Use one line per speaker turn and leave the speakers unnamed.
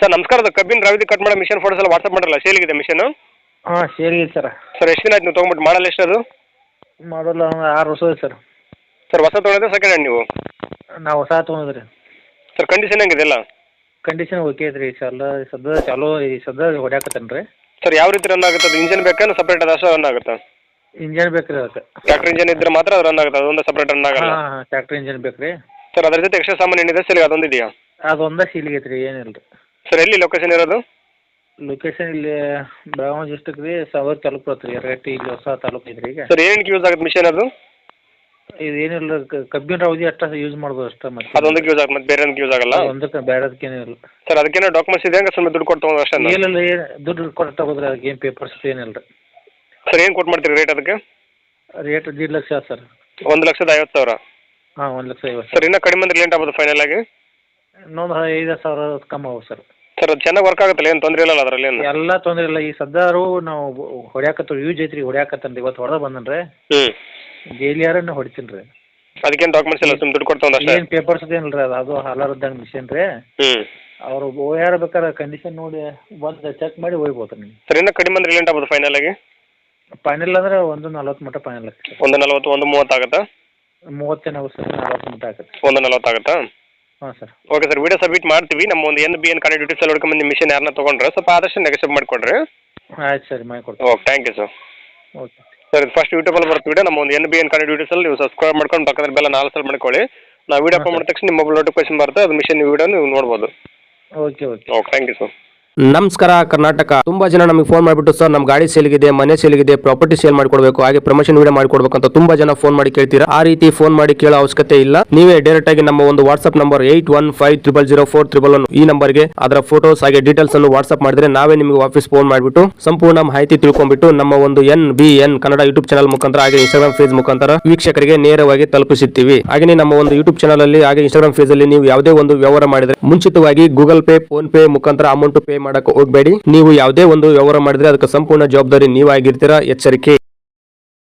Sir ನಮಸ್ಕಾರ, ಅದು ಕಬ್ಬಿನ ರಾವಿದಿ ಕಟ್ ಮಾಡೋ ಮಿಷನ್ ಫೋಟೋಸ್ ಎಲ್ಲ ವಾಟ್ಸಪ್ ಮಾಡಲ್ಲ, ಸೇಲಿಗಿದೆ ಮಿಷನ್.
ಹಾಂ ಸೇರಿದೆ ಸರ್.
ಸರ್ ಎಷ್ಟು ದಿನ ಆಯ್ತು ನೀವು ತೊಗೊಂಬಿಟ್ಟು? ಮಾಡಲ್ಲ ಎಷ್ಟು ಅದು?
ಮಾಡಲ್ಲ 6 ವರ್ಷ ಆಯ್ತು ಸರ್.
ಸರ್ ಹೊಸ ತೊಗೊಂಡ್ರೆ ಸೆಕೆಂಡ್ ಹ್ಯಾಂಡ್ ನೀವು?
ನಾವು ಹೊಸ ತೊಗೊಂಡ್ರಿ.
ಸರ್ ಕಂಡೀಷನ್ ಹೆಂಗಿದೆ ಎಲ್ಲ?
ಕಂಡೀಷನ್ ಓಕೆ ಐತ್ರಿ ಸರ್. ಸದ್ಯ ಚಾಲೋ ಈ ಸದ್ಯ ಹೊಡ್ಯಾಕತ್ತೇನೆ ರೀ.
ಸರ್ ಯಾವ ರೀತಿ ರನ್ ಆಗುತ್ತೆ ಅದು? ಇಂಜನ್ ಬೇಕಾ ಸಪ್ರೇಟ್ ಅದು ಅಷ್ಟು ರನ್ ಆಗುತ್ತಾ?
ಇಂಜನ್ ಬೇಕು ರೀ ಅದಕ್ಕೆ.
ಟ್ರ್ಯಾಕ್ಟರ್ ಇಂಜನ್ ಇದ್ರೆ ಮಾತ್ರ ಅದು ರನ್ ಆಗುತ್ತೆ, ಅದೊಂದು ಸಪ್ರೇಟ್ ರನ್ ಆಗಲ್ಲ?
ಹಾಂ ಟ್ಯಾಕ್ಟ್ರಿ ಇಂಜನ್ ಬೇಕು ರೀ.
ಸರ್ ಅದ್ರ ಜೊತೆ ಎಕ್ಸ್ಟ್ರಾ ಸಾಮಾನು ಏನಿದೆ ಸರ್ ಅದೊಂದು ಇದೆಯಾ?
ಅದೊಂದೇ ಸೀಲಿಗೆ ಐತ್ರಿ, ಏನಿಲ್ಲ ರೀ.
ಸರ್ ಎಲ್ಲಿ ಲೊಕೇಶನ್ ಇರೋದು?
ಲೊಕೇಶನ್ ಇಲ್ಲಿ ಬೆಳಗಾವಿ ಡಿಸ್ಟ್ರಿಕ್ ರೀ, ಸಾಗರ ತಾಲೂಕು ಬರುತ್ತೆ ರೀ. ಎರಗಟ್ಟಿ ಇಲ್ಲಿ ಹೊಸ ತಾಲೂಕು ಐತ್ರಿ ಈಗ.
ಸರ್ ಏನಕ್ಕೆ ಯೂಸ್ ಆಗುತ್ತೆ ಮಿಷನ್ ಅದು?
ಇದು ಏನಿಲ್ಲ ಕಬ್ಬಿನ ರಾವದಿ ಅಷ್ಟ ಯೂಸ್ ಮಾಡ್ಬೋದು ಅಷ್ಟೇ. ಮತ್ತೆ
ಅದೊಂದಕ್ಕೆ ಯೂಸ್ ಆಗುತ್ತೆ, ಮತ್ತೆ ಬೇರೆ ಯೂಸ್ ಆಗಲ್ಲ?
ಒಂದಕ್ಕೆ ಬೇಡದಕ್ಕೇನಿಲ್ಲ
ಸರ್ ಅದಕ್ಕೇನೋ ಡಾಕ್ಯುಮೆಂಟ್ಸ್ ಇದೆ ಹಂಗೆ ಸುಮ್ಮನೆ ದುಡ್ಡು ಕೊಟ್ಟು ತೊಗೊಂಡು ಅಷ್ಟೇ?
ಏನಿಲ್ಲ, ಏನು ದುಡ್ಡು ಕೊಟ್ಟು ತಗೋದ್ರಿ, ಅದಕ್ಕೆ ಏನು ಪೇಪರ್ಸ್ ಏನಿಲ್ಲ ರೀ.
ಸರ್ ಏನು ಕೊಟ್ಟು ಮಾಡ್ತೀರಿ ರೇಟ್ ಅದಕ್ಕೆ?
Rate 1.5 lakh sir.
1,50,000?
ಹಾಂ 1,50,000.
ಸರ್ ಇನ್ನೂ ಕಡಿಮೆ ಅಂದ್ರೆ ಲೇಟ್ ಆಗ್ಬೋದು ಫೈನಲ್ ಆಗಿ?
ಇನ್ನೊಂದು 5,000 ಕಮ್ಮಿ ಆಗುತ್ತೆ ಸರ್.
ಸರ್ ಅದು ಚೆನ್ನಾಗಿ ವರ್ಕ್ ಆಗುತ್ತಲ್ಲ, ಏನು ತೊಂದರೆ ಇಲ್ಲಲ್ಲ ಅದರಲ್ಲಿ? ಏನು
ಎಲ್ಲ ತೊಂದರೆ ಇಲ್ಲ. ಈ ಸದ್ದಾರು ನಾವು ಹೊಡ್ಯಾಕತ್ತೀವಿ, ಯೂಸ್ ಐತ್ರಿ ಹೊಡ್ಯಾಕತ್ತೇನೆ ರೀ. ಇವತ್ತು ಹೊಡೆದ ಬಂದನ್ರಿ, ಡೈಲಿಯಾರನ್ನ ಹೊಡಿತೀನಿ ರೀ.
ಅದಕ್ಕೇನು ಡಾಕ್ಯುಮೆಂಟ್ಸ್ ಇಲ್ಲ, ಸುಮ್ಮನೆ ದುಡ್ಡು ಕೊಟ್ಟು ತೊಗೊಂಡು ಅಷ್ಟೇ?
ಏನು ಪೇಪರ್ಸ್ ಏನಿಲ್ಲ ರೀ, ಅದು ಹಲಾರದ್ದಂಗೆ ಮಿಷನ್ ರೀ. ಅವರು ಓಯಾರ ಬೇಕಾದ್ರೆ ಕಂಡೀಷನ್ ನೋಡಿ ಬಂದು ಚೆಕ್ ಮಾಡಿ ಹೋಗ್ಬೋದು ನೀವು.
ಸರ್ ಇನ್ನೂ ಕಡಿಮೆ ಅಂದ್ರೆ ಲೇಟ್ ಆಗ್ಬೋದು ಫೈನಲ್ ಆಗಿ?
ಫೈನಲ್ ಅಂದ್ರೆ 1,40 ಮಟ್ಟ ಫೈನಲ್ ಆಗ್ತದೆ.
1,40, 1,30 ಆಗುತ್ತಾ?
30 ಆಗುತ್ತೆ ಸರ್, 40 ಮಟ್ಟ ಆಗುತ್ತೆ.
1,40 ಆಗುತ್ತಾ?
ಹಾಂ sir.
Okay sir, video submit ಮಾಡ್ತೀವಿ. ನಮ್ಮ ಒಂದು NBN ಕನೆಕ್ಟಿವಿಟೀಸ್ ಎಲ್ಲ ಹುಡ್ಕೊಂಬಂದು ಮಿಷನ್ ಯಾರನ್ನ ತೊಗೊಂಡ್ರೆ ಸ್ವಲ್ಪ ಆದಷ್ಟು ನೆಗೆಸಿಬ್ ಮಾಡಿಕೊಡ್ರಿ.
ಆಯ್ತು ಸರಿ, ಮಾಡಿಕೊಡ್ತೀನಿ.
Okay, thank you sir.
Okay
sir ಇದು ಫಸ್ಟ್ ಯೂಟ್ಯೂಬಲ್ಲಿ ಬರುತ್ತೆ ವಿಡಿಯೋ. ನಮ್ಮ ಒಂದು NBN ಕನೆಕ್ಟಿವಿಟೀಸ್ ಅಲ್ಲಿ ನೀವು ಸಬ್ಸ್ಕ್ರೈಬ್ ಮಾಡ್ಕೊಂಡು ಪಕ್ಕದಲ್ಲಿ ಬೆಲ್ಲ 4 ಸಲ ಮಾಡ್ಕೊಳ್ಳಿ. ನಾವು ವಿಡಿಯೋ ಅಪ್ಲೋಡ್ ಮಾಡಿದ ತಕ್ಷಣ ನಿಮ್ಮ ಮೊಬೈಲ್ ನೋಟಿಫಿಕೇಶನ್ ಬರುತ್ತೆ, ಅದು ಮಿಷನ್ ವಿಡಿಯೋ ನೀವು ನೋಡ್ಬೋದು.
Okay okay
okay, thank you sir.
ನಮಸ್ಕಾರ ಕರ್ನಾಟಕ. ತುಂಬಾ ಜನ ನಮಗೆ ಫೋನ್ ಮಾಡಿಬಿಟ್ಟು ಸರ್ ನಮ್ಮ ಗಾಡಿ ಸೇಲ್ಗಿದೆ, ಮನೆ ಸೇಲ್ಗಿದೆ, ಪ್ರಾಪರ್ಟಿ ಸೇಲ್ ಮಾಡಿಕೊಡ್ಬೇಕು, ಹಾಗೆ ಪ್ರಮೋಷನ್ ವಿಡಿಯೋ ಮಾಡಿಕೊಡ್ಬೇಕು ಅಂತ ತುಂಬಾ ಜನ ಫೋನ್ ಮಾಡಿ ಕೇಳ್ತೀರಾ. ಆ ರೀತಿ ಫೋನ್ ಮಾಡಿ ಕೇಳೋ ಅವಶ್ಯಕತೆ ಇಲ್ಲ. ನೀವೇ ಡೈರೆಕ್ಟ್ ಆಗಿ ನಮ್ಮ ಒಂದು ವಾಟ್ಸ್ಆಪ್ ನಂಬರ್ 81500411 ಈ ನಂಬರ್ಗೆ ಅದರ ಫೋಟೋಸ್ ಹಾಗೆ ಡೀಟೇಲ್ಸ್ ಅನ್ನು ವಾಟ್ಸ್ಆಪ್ ಮಾಡಿದ್ರೆ ನಾವೇ ನಿಮಗೆ ವಾಪಸ್ ಫೋನ್ ಮಾಡಿಬಿಟ್ಟು ಸಂಪೂರ್ಣ ಮಾಹಿತಿ ತಿಳ್ಕೊಂಡ್ಬಿಟ್ಟು ನಮ್ಮ ಒಂದು NBN ಕನ್ನಡ ಯೂಟ್ಯೂಬ್ ಚಾನಲ್ ಮುಖಾಂತರ ಹಾಗೆ ಇನ್ಸ್ಟಾಗ್ರಾಮ್ ಪೇಜ್ ಮುಖಾಂತರ ವೀಕ್ಷಕರಿಗೆ ನೇರವಾಗಿ ತಲುಪಿಸುತ್ತೀವಿ. ಹಾಗೆ ನಮ್ಮ ಒಂದು ಯೂಟ್ಯೂಬ್ ಚಾನಲ್ ಅಲ್ಲಿ ಹಾಗೆ ಇನ್ಸ್ಟಾಗ್ರಾಮ್ ಪೇಜ್ ಅಲ್ಲಿ ನೀವು ಯಾವುದೇ ಒಂದು ವ್ಯವಹಾರ ಮಾಡಿದ್ರೆ ಮುಂಚಿತವಾಗಿ ಗೂಗಲ್ ಪೇ, ಫೋನ್ ಪೇ ಮುಖಾಂತರ ಅಮೌಂಟ್ ಪೇ ಮಾಡಕ್ಕೆ ಹೋಗಬೇಡಿ. ನೀವು ಯಾವುದೇ ಒಂದು ವ್ಯವಹಾರ ಮಾಡಿದ್ರೆ ಅದಕ್ಕೆ ಸಂಪೂರ್ಣ ಜವಾಬ್ದಾರಿ ನೀವಾಗಿರ್ತೀರಾ. ಎಚ್ಚರಿಕೆ.